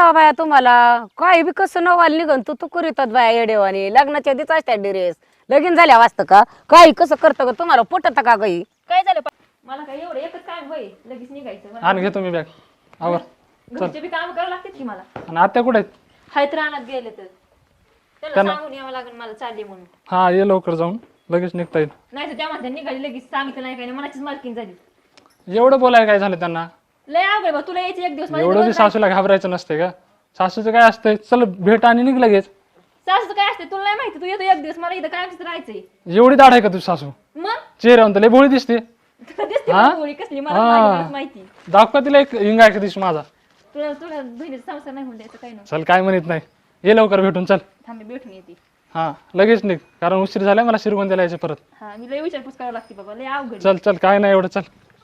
करावं बाया तुम्हाला काय बी कसं नवाल निघन तू करीतात बाया येडेवानी लग्नाच्या आधीच असत्या ड्रेस लगीन झाल्या वाजतं का काही कसं करतं का तुम्हाला पटत का काही काय झालं मला काय एवढं एकच काम होय लगेच निघायचं आण घेतो मी बॅग आवर घरचे बी काम करावं लागतात की मला आणि आत्या कुठे आहेत हायत रानात गेले तर त्याला सांगून यावं लागेल मला चालली म्हणून हा ये लवकर जाऊन लगेच निघता येईल नाही तर त्या म्हणत्या निघाली लगेच सांगितलं नाही काही मनाचीच मालकीन झाली एवढं बोलायला काय झालं त्यांना लय अवघड बा तुला यायचं एक दिवस एवढं बी सासूला घाबरायचं नसते का सासूचं काय असतंय चल भेट आणि निघ लगेच सासूचं काय असते तुला नाही माहिती तू येतो एक दिवस मला इथं काय राहायचंय एवढी दाढ आहे का तुझी सासू मग चेहऱ्यावर तर लय भोळी दिसते तुला दिसते मला गोळी कसली मला माझी माहिती दाखवा तिला एक हिंगा एक दिवशी माझा तुला तुला बहिणीचा संसार नाही होऊन द्यायचं काही नाही चल काय म्हणत नाही ये लवकर भेटून चल थांबे भेटून येते हा लगेच निघ कारण उशीर झालाय मला शिरगोंद्याला यायचं परत हा मी लय विचारपूस करावं लागते बाबा लय अवघड चल चल काय नाही एवढं चल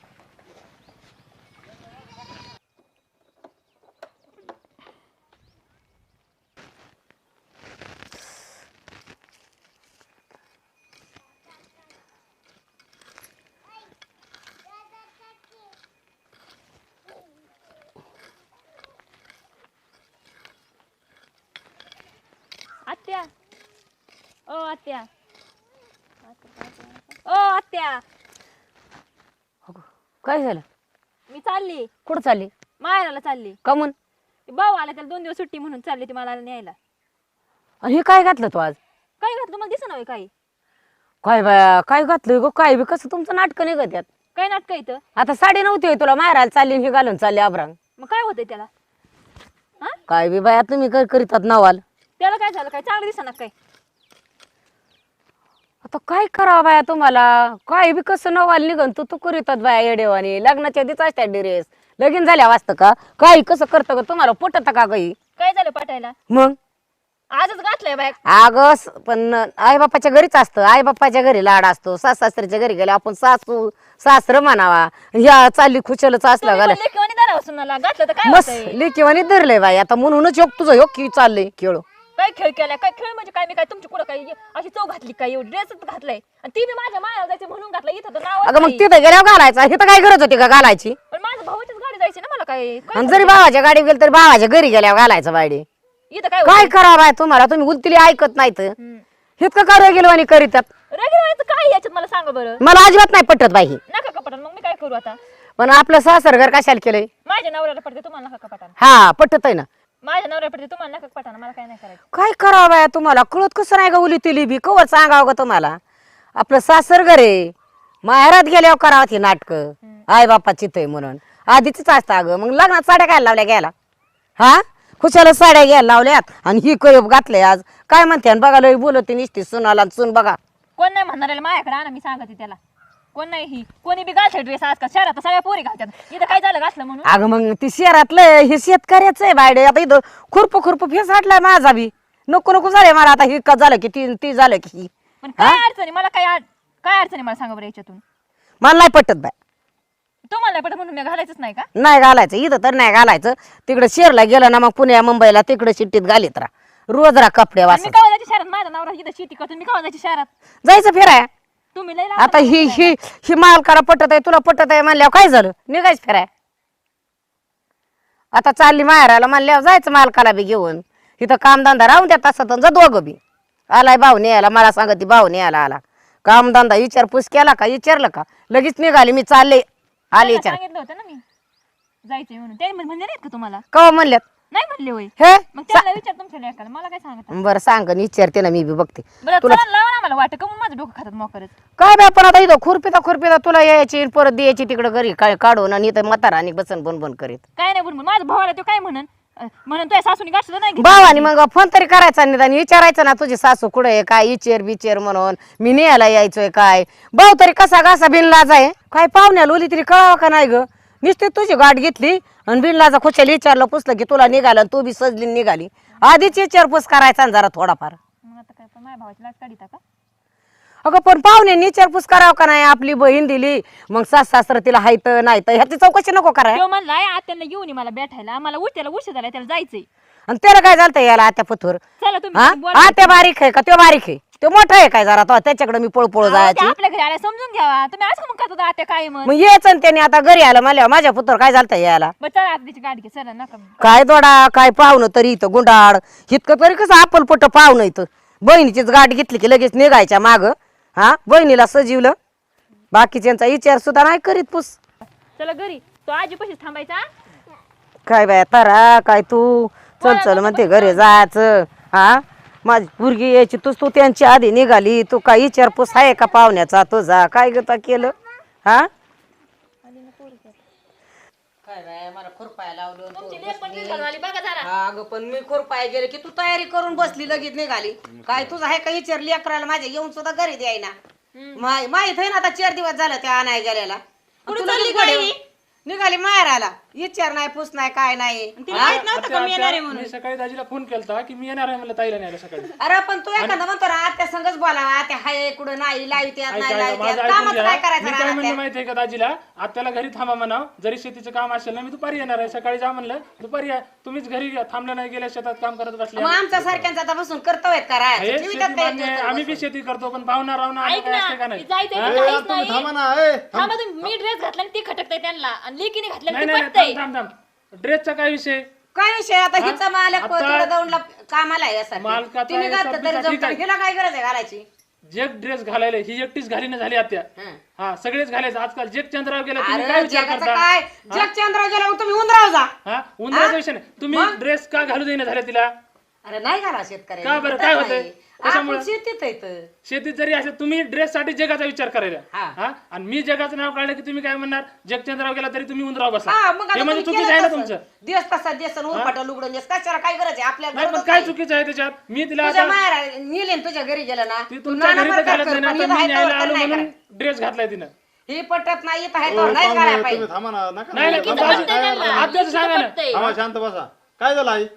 आत्या ओ आत्या ओ आत्या काय झालं मी चालली कुठं चालली माहेराला चालली कमून भाऊ आला त्याला 2 दिवस सुट्टी म्हणून चालली ती मला न्यायला आणि हे काय घातलं तू आज काय घातलं मला दिसत नाही काही काय बाया काय घातलं गो काय बी कसं तुमचं नाटक निघत यात काय नाटक इथं आता साडी नव्हती होय तुला मारायला चालली हे घालून चालली आबरांग मग काय होतंय त्याला हा काय बी बाया तुम्ही करीतात नवाल त्याला काय झालं काय चांगलं दिसना काय आता काय करावं बाया तुम्हाला काय बी कसं नवाल निघन तू करीतात बाया येडेवानी लग्नाच्या आधीच असत्या ड्रेस लगीन झाल्या वाजतं का काही कसं करतं का तुम्हाला पटत का काही काय झालं पटायला मग आजच घातलंय बाय अगं पण आई बापाच्या घरीच असतं आई बापाच्या घरी लाड असतो सासऱ्याच्या घरी गेले आपण सासू सासर म्हणावा या चालली खुशालच असला घाला सुनाला घातलं तर काय मस्त होतंय? लेकीवानी धरलंय बाई आता म्हणूनच योग तुझं योग की चाललंय खेळ काय खेळ केलाय काय खेळ म्हणजे काय मी काय तुमची कुठं काय अशी चव घातली काय एवढी ड्रेसच घातलाय आणि ती मी माझ्या मायाला जायचं म्हणून घातलं इथं तर नाव अगं मग तिथं गेल्यावर घालायचा हे तर काय गरज होती का घालायची पण माझ्या भावाचीच गाडी जायची ना मला काय आणि जरी भावाच्या गाडी गेली तरी भावाच्या घरी गेल्यावर घालायचं बायडे इथं काय काय करावं बाय तुम्हाला तुम्ही उलतीली ऐकत नाहीत इतकं का गेलो आणि करीतात रेग्युलर काय याच्यात मला सांगा बरं मला अजिबात नाही पटत बाई ही. नका कपाटान मग मी काय करू आता पण आपलं सासर घर कशाला केलंय माझ्या नवऱ्याला पडते तुम्हाला नका कपाटान हा पटत आहे ना माझ्या नवऱ्याला पडते तुम्हाला नका कपाटान मला काय नाही करायचं काय करावं बाया तुम्हाला कळत कसं नाही का उली तिली बी कवर सांगावं का तुम्हाला आपलं सासर घर आहे माहेरात गेल्यावर करावं ती नाटक आई बापा चितय म्हणून आधीच असतं अगं मग लग्नात साड्या काय लावल्या घ्यायला हा खुशाला साड्या घ्यायला लावल्यात आणि ही कयब घातले आज काय म्हणते बघायला बोलते निसती सुनाला सुन बघा कोण नाही म्हणणार माझ्याकडे आणा मी सांगते त्याला कोण नाही ही कोणी बी घालते ड्रेस आजकाल शहरात सगळ्या पोरी घालतात इथं काय झालं घातलं म्हणून अगं मग ती शहरातलं हे शेतकऱ्याचं आहे बायडे आता इथं खुरप फेस हाटलाय माझा बी नको झालंय मला आता ही का झालं की ती झालं की ही पण काय अडचणी मला काय अडचणी मला सांगा बरं याच्यातून मला नाही पटत बाय तुम्हाला नाही पटत म्हणून मी घालायचंच नाही का नाही घालायचं इथं तर नाही घालायचं तिकडे शेरला गेलं ना मग पुण्या मुंबईला तिकडे शिट्टीत घालीत राहा रोज राहा कपडे मी वाचत कवा जायची शहरात माझा नवरा इथं शेती करतो मी कवा जायची शहरात जायचं फिराय तुम्ही लय आता ही मालकाला पटत आहे तुला पटत आहे म्हणल्यावर काय झालं निघायच फिराय आता चालली माहेराला म्हणल्यावर जायचं मालकाला बी घेऊन इथं कामधंदा राहून द्या तसं तर जा दोघं बी आलाय भाऊने यायला मला सांगत भाऊने यायला आला कामधंदा विचारपूस केला का विचारलं का लगेच निघाली मी चालले आले विचार सांगितलं होतं ना मी जायचंय म्हणून ते म्हणले नाहीत का तुम्हाला कवा म्हणल्यात नाही म्हणले होय हे मग त्याला विचार तुमच्या लेकाला मला काय सांगत बरं सांग विचारते ना मी बी बघते बरं चला लावा ना मला वाटतं का मग माझं डोकं खातात मोकरच काय बाय पण आता इथं खुरपिता तुला यायची परत द्यायची तिकडे घरी काय काढून आणि इथं म्हातारा आणि बसन बन करीत काय नाही बोल माझ्या भावाला तो काय म्हणून तुझ्या सासूनी गाठलं नाही भावानी मग फोन तरी करायचा निदान विचारायचं ना तुझी सासू कुठे आहे काय बिचेर म्हणून मी न्यायला यायचोय काय भाऊ तरी कसा घासा बिनलाज आहे काय पाहुण्याला ओली तरी कळावं का नाही ग नुसती तुझी गाठ घेतली आणि बिनलाजा खुशाला विचारलं पुसलं की तुला निघालं तू बी सजली निघाली आधीच विचारपूस करायचा जरा थोडाफार मग आता काय पण माझ्या भावाची लाट काढीता का अगं पण पाहुण्यांनी विचारपूस करावं का नाही आपली बहीण दिली मग सासर तिला हायत नाही तर ह्याची चौकशी नको कराय तो म्हणलाय आत्यांना घेऊन ये मला भेटायला मला त्याला उशीर झालाय त्याला जायचंय आणि त्याला काय झालं याला आत्या पथूर चला हा तुम्ही आत्या बारीक आहे का तो बारीक आहे तो मोठा आहे काय जरा तो त्याच्याकडे मी पळपळ अहो, ते जायची आपल्या घरी आल्या समजून घ्यावा तुम्ही असं मग करता आत्या काय मग मग यायचं ना त्याने आता घरी आलं मला माझ्या पुत्र काय झालं यायला बरं चला आता तिची गाडी घे चला नका मग. काय दोडा काय पाहुणं तरी इथं गुंडाळ इतकं तरी कसं आपलपट पाहुणं इथं बहिणीचीच गाठ घेतली की लगेच निघायच्या माग हा बहिणीला सजीवलं बाकीच्यांचा विचार सुद्धा नाही करीत पुस चला घरी तो आजी पशीच थांबायचा काय बाय तारा काय तू चल चल म्हणते घरी जायचं हा माझी मुलगी यायची तू त्यांची आधी निघाली तू काय विचारपूस आहे का पाहुण्याचा तुझा काय गता केलं हा काय बाय मला खुरपाय लावलं तुमची लेक पण निघाल झाली बघा जरा हा अगं पण मी खुरपाय गेले की तू तयारी करून बसली लगेच निघाली काय तुझं आहे का विचार लेकराला माझ्या येऊन सुद्धा घरी द्यायना माहित आहे ना आता 4 दिवस झालं त्या आणाय गेलेला कुठं तुला चालली लगेच गाडी? गड्या- निघाली माहेराला विचार नाही पूस नाही काय नाही हा? मी सकाळी दाजीला फोन केलता की मी येणार आहे मला ताईला न्यायला सकाळी अरे पण तू एखादा म्हणतो ना आत्या संगच बोलावा आत्या हाय कुठं नाही लाईत यात नाही लाईत माझं यात ऐकून कामच घ्या. काय मी करायचं काय रानात म्हणलं त्या? माहितीये का दाजीला आत्याला घरी थांबा म्हणाव जरी शेतीचं काम असेल ना मी दुपारी येणार आहे सकाळी जा म्हणलं दुपारी या तुम्हीच घरी थांबलं नाही गेल्या शेतात काम करत बसले मग आमच्या सारख्यांचा आता बसून कर्तव्य करायचं हे जीवितात शेती काय मान्य आहे. येतं आम्ही बी शेती करतो पण पाहुणा रावणा ऐक ना असते का नाही जायचंय हा? तर काहीच तुम्ही नाही थांबा ना ए थांबा तुम्ही मी ड्रेस घातला आणि ती खटकताय त्यांना आणि लेकीने घातलं नाही आणि ती नाही पटतंय थांब थांब थांब ड्रेसचा काय विषय काय विषय आता हिचा मालक आता- तिकडे दौंडला कामाला आहे यासाठी मालकाचा तिने घातलं तरी SRP साठी जमतं काय? हिला काय गरज आहे घालायची जे ड्रेस घालायला ही एकटीच घालीने झाली आत्या हं. हा सगळेच घालायचे आजकाल जग चंद्रावर गेला तुम्ही काय अरे विचार जगाचं करता काय जग चंद्रावर गेला मग तुम्ही उंदराव जा हा उन्हाळ्याचा विषय नाही तुम्ही ड्रेस का घालू देईना झाले तिला अरे नाही घाला का शेतकऱ्याला बरं, काय होतंय? कशामुळं? आपण शेतीत आहे इथं. शेतीत जरी असेल तुम्ही ड्रेस साठी जगाचा विचार करायला हा. हा आणि मी जगाचं नाव काढलं की तुम्ही काय म्हणणार जगचंद्रावर गेला तरी तुम्ही उंदराव बसा हा, मग आता हे म्हणजे तुम्ही चुकीचं आहे ना केलं तुमचं तसं. दिवस तसा दिवस उरपाटा लुगडून दिवस कशाला काय गरज आहे आपल्या नाही पण गरजच काय नाही. चुकीचं आहे त्याच्यात मी तिला तुझ्या आता माहेर नेले न तुझ्या घरी गेलं ना ती तू तुमच्या नाना घरी तर प्रकार घालत कर, नाही ना पण आता इथं मी आहे न्यायला तोवर आलो तर नाही म्हणून करायचं. ड्रेस घातलाय तिनं ही पटत नाही इथं आहे ओ, तोवर नाही पाहुणे, घालायला तुम्ही पाहिजे थांबा ना नका नाही नाही लेकीचं पण दाजी- पटतंय त्यांना. आत्याचं सांगा ना पटतंय. थांबा शांत बसा काय झालं आई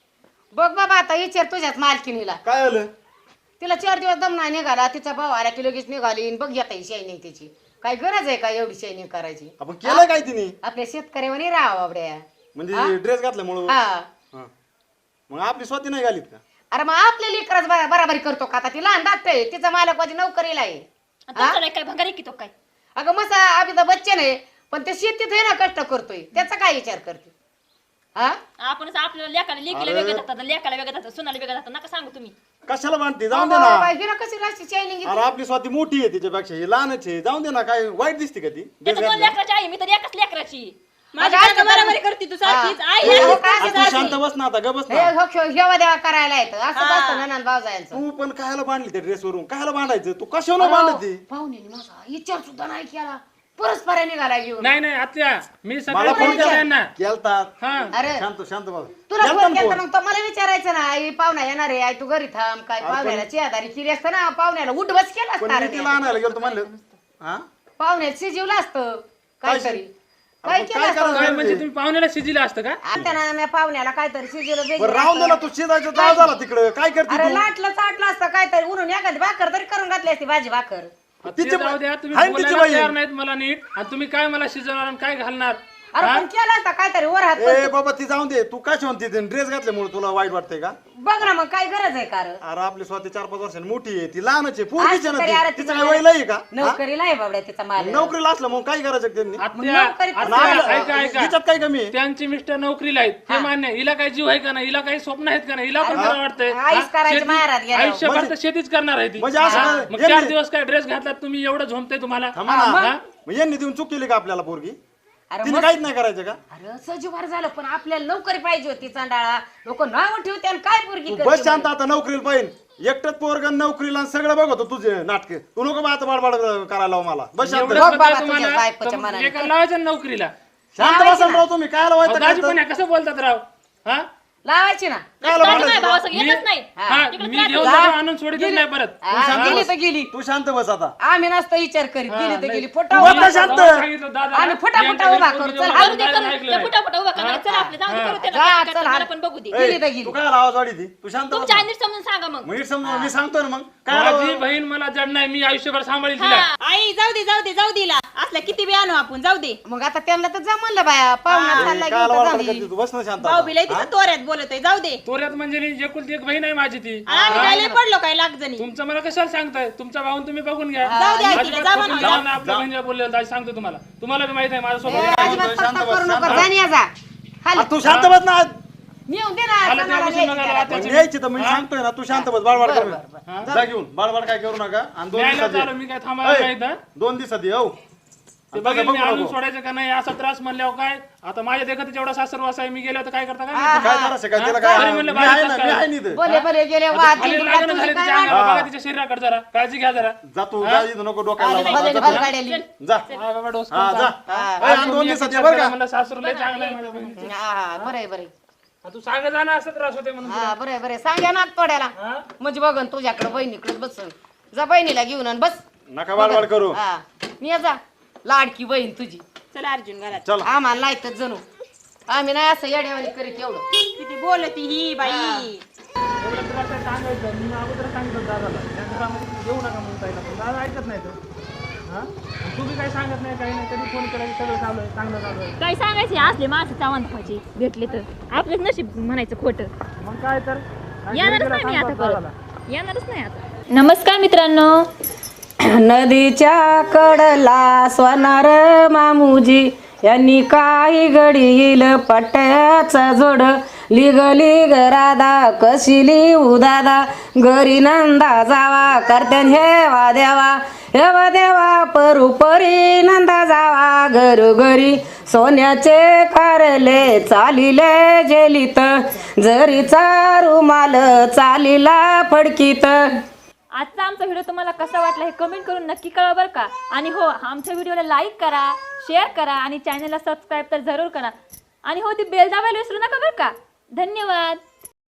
बघ बाबा आता विचार तुझ्याच मालकीनीला काय झालं तिला 4 दिवस दम नाही निघाला तिचा भाऊ आला की लगेच निघाली आणि बघ येता शायनिंग तिची काय गरज आहे का एवढी शायनिंग करायची आपण केलं काय तिने आपल्या शेतकऱ्यावर राहा बाबड्या म्हणजे ड्रेस घातल्यामुळं हा हा. मग आपली स्वती नाही घालीत का अरे मग आपल्या लेकरच बराबरी करतो का आता ती लहान दाट आहे तिचा मालक माझी नोकरीला आहे आणि तुमचं नाही काय भंगारी की तो काय अगं मसा अमिताभ बच्चन आहे पण ते शेतीत आहे ना कष्ट करतोय त्याचा काय विचार करते हा आपण आपल्याला लेकाला लेकीला वेगळं जातात लेकाला वेगळं जातात सुनाला वेगळं जातात नका सांगू तुम्ही कशाला बांधते जाऊन दे ना हिला कशी राशी शायनिंग अरे आपली स्वाती मोठी आहे तिच्यापेक्षा ही लहानच आहे जाऊन दे ना काय वाईट दिसते का ती ड्रेस त्याचं दोन घातल्या लेकराची आई मी तर एकच लेकराची माझ्या माझी आता बरोबरी करते तू सारखीच हा. आई हे आहे, काय सारखीच तू आहे. शांत बस ना आता ग बस ना हेवा देवा करायला येतं असं असतं ननंद भावजायांचं तू पण कायला बांधली त्या ड्रेस वरून कायला बांधायचं तू कशाला बांधती पाहुणे माझा विचार सुद्धा नाही केला परस्पर निघाला घेऊन नाही नाही आत्या मी सकाळी मला फोन फोन केला त्यांना केलतात हा अरे शांत शांत बस तुला केलता फोन ना केला फोन. मग तो मला विचारायचं ना आई पाहुणा येणार आहे आई तू घरी थांब काय पाहुण्याला चेहदारी केली असतं ना पाहुण्याला उठ बस केला पण असता मी रे तिला आणायला गेलो म्हणलं हा पाहुण्यात शिजवलं असतं काहीतरी काय आपण केलं काय असतं करायचं? काय म्हणजे तुम्ही पाहुण्याला शिजिला असतं का आता ना मी पाहुण्याला काहीतरी शिजवलं बरं बेजलं राहून दे ना तू शिजायचं जाळ झाला तिकडं काय करते अरे तू लाटलं चाटलं असतं काहीतरी उन्हून एखादी भाकर तरी करून घातली असती भाजी भाकर ते तिची जाऊ द्या तुम्ही हाय ना तिची बोलायला बाई. तयार नाहीत मला नीट आणि तुम्ही काय मला शिजवणार आणि काय घालणार अरे पण केलं असतं काहीतरी वर हात ए बाबा ती जाऊन दे तू काय म्हणते ड्रेस घातल्यामुळे तुला वाईट वाटतंय का बघ ना मग काय गरज आहे कार अरे आपली स्वतः 4-5 वर्षांनी मोठी आहे ती लहानच आहे पूर्वीची असं तरी अरे ना तिचं तिचं काय वय लई का नोकरीला आहे बाबड्या तिचा माल नोकरीला असलं मग काय करायचं त्यांनी आत्या नोकरीत आत्या, नाही, ऐका ऐका हिच्यात काय कमी आहे त्यांची मिस्टर नोकरीला आहेत हे मान्य आहे. हिला काही जीव आहे का नाही हिला काही स्वप्न आहेत का नाही हिला पण खरं वाटतंय आईस हा? करायची शेती- माहेरात गेल्यावर. आयुष्यभर तर शेतीच करणार आहे ती म्हणजे असं हा? काय- मग यांनी- 4 दिवस काय ड्रेस घातलात तुम्ही एवढं झोमतंय तुम्हाला थांबा ना हा? मग यांनी देऊन चूक केली का आपल्याला पोरगी अरे तिने काहीच नाही करायचं का अरे सजीवार झालं पण आपल्याला नोकरी पाहिजे होती चांडाळा लोक नाव ठेवते आणि काय पोरगी तू करते बस शांत आता नोकरीला पाहिजे एकटंच पोरग नोकरीला आणि सगळं बघतो तुझे नाटक तू नको बा आता बाडबाड करायला लावू मला बस शांत एवढं बघ करताय बाबा तुम्हाला, तुझ्या बायकोच्या तर मनाने. एका लावायचं ना नोकरीला शांत बसा राव तुम्ही काय अहो, दाजी लावायचं पण आहे, कसं बोलतात राव हा लावायची ना काय दाजी माझ्या भावासंग येतच नाही हा तिकडे मी त्रास घेऊन जा. जातो, आणून सोडतच नाही परत हा, गेली तर गेली तू शांत बस आता आम्ही नसतो विचार करीत गेली तर गेली फोटा बघ उभा ना शांत. तेव्हा सांगितलं दादाला, आम्ही फटाफट यांच्या उभा घरी करू. कोणी चल, जेवण करू दे करायला करू ऐकलं दे नाही. फटाफट उभा करा चला आपले जाऊ दे करू त्याला जा, काय चल, करतात, हात. मला पण बघू दे गेली तर गेली तू काय आवाज वाढी ती तू शांत बस तुमच्या नीट समजून सांगा मग नीट समजून मी सांगतो ना मग काय माझी बहीण मला जड नाही मी आयुष्यभर सांभाळील तिला आई जाऊ दे असल्या किती बी आणू आपण जाऊ दे मग आता त्यांना तर जमलं बाया पाहुणा चालला काय घेऊन तर वाटत झाली. करते तू बस ना शांत भाऊ आता. बिलाय तिथं तोऱ्यात बोलत आहे जाऊ दे तो पोऱ्यात म्हणजे एकुलती एक बहीण आहे माझी ती. आणि आम्ही काय लय पडलो काय लाख जणी. तुमचं मला कशाला सांगताय? तुमचा भाऊन तुम्ही बघून घ्या. जाऊ द्या तिला, अजिबात जा खोटं म्हणा. बोलू नका. आपल्या बहिणीला बोललेलं दाजी सांगतो तुम्हाला. तुम्हाला बी माहित आहे माझ्यासोबत अजिबात पटपट करू नको, जा आणि या जा. हाल. तू शांत बस ना. मी येऊन दे ना, आलं सणाला तेव्हापासून द्यायची बघायला त्याला. आत्याची. न्यायची तर मी सांगतोय ना, तू शांत बस, बाळबाळ कर. जा घेऊन, बाळबाळ काय करू नका. आणि 2 न्यायला दिवसात चालू मी काय थांबायला नाही इथं. 2 दिवसात ये. हो ते बघेल मी आणून सोडायचं का नाही असा त्रास म्हणल्यावर काय. आता माझ्या देखत जेवढा सासरवास आहे मी गेलो तर काय करता काय माहिती? काय करायचं काय त्याला काय तरी म्हणलं मी आहे ना, बारीक मी आहे ना इथं. बोले बोले गेले वाद खाली जिंकला, लागणं तुझं झाले काय तिच्या वाद? अंगाला. बघा तिच्या शरीराकडे जरा काळजी घ्या जरा. जा तू, जा इथं नको डोक्याला लावू. भले भर काढली. जा. हा बाबा डोस हा जा. हा. आणि 2 दिवसात ये बरं का. म्हणलं सासरू लय चांगलं आहे माझ्या बहिणीचं. हा, बरं आहे, बरं आहे. हा, तू सांगत जा ना असं त्रास होते म्हणून. हा, बरं आहे, बरं आहे. सांगा ना तोड्याला म्हणजे बघन तुझ्याकडे बहिणीकडे बसन. जा बहिणीला घेऊन आण, बस. नका बाळबाळ करू. हा, ये जा. लाडकी बहीण तुझी. चला अर्जुन घरात. चल. आम्हाला लायतच जणू. आम्ही नाही असं येड्यावानी करीत एवढं. किती बोलती ही बाई. एवढं त्रास आहे सांगायचं. मी अगोदर सांगितलं दादाला त्यांचं कामाचं देऊ नका म्हणून ताईला. पण दादा ऐकत नाही तर. हा तू बी काही सांगत नाही काही नाही. कधी फोन करायचं सगळं चालू आहे चांगलं चालू आहे. काय सांगायचे असले माणसं चावंत व्हायचे भेटले तर आपलंच नशीब म्हणायचं खोटं. मग काय तर येणारच नाही मी आता परत. येणारच नाही आता. नमस्कार मित्रांनो. नदीच्या कडला स्वनार मामुजी यांनी काही घडील पट्ट्याचा जोड लिग लिग राधा कशिली उदादा घरी नंदा जावा करत्यान हेवा देवा परुपरी नंदा जावा घरोघरी सोन्याचे कारले चालिले जेलीत जरीचा रुमाल चालीला फडकीत. आजचा आमचा व्हिडिओ तुम्हाला कसा वाटला हे कमेंट करून नक्की कळवा बरं का. आणि हो आमच्या व्हिडिओला लाईक करा, शेअर करा आणि चॅनलला सबस्क्राईब तर जरूर करा. आणि हो ती बेल दाबायला विसरू नका बरं का. धन्यवाद.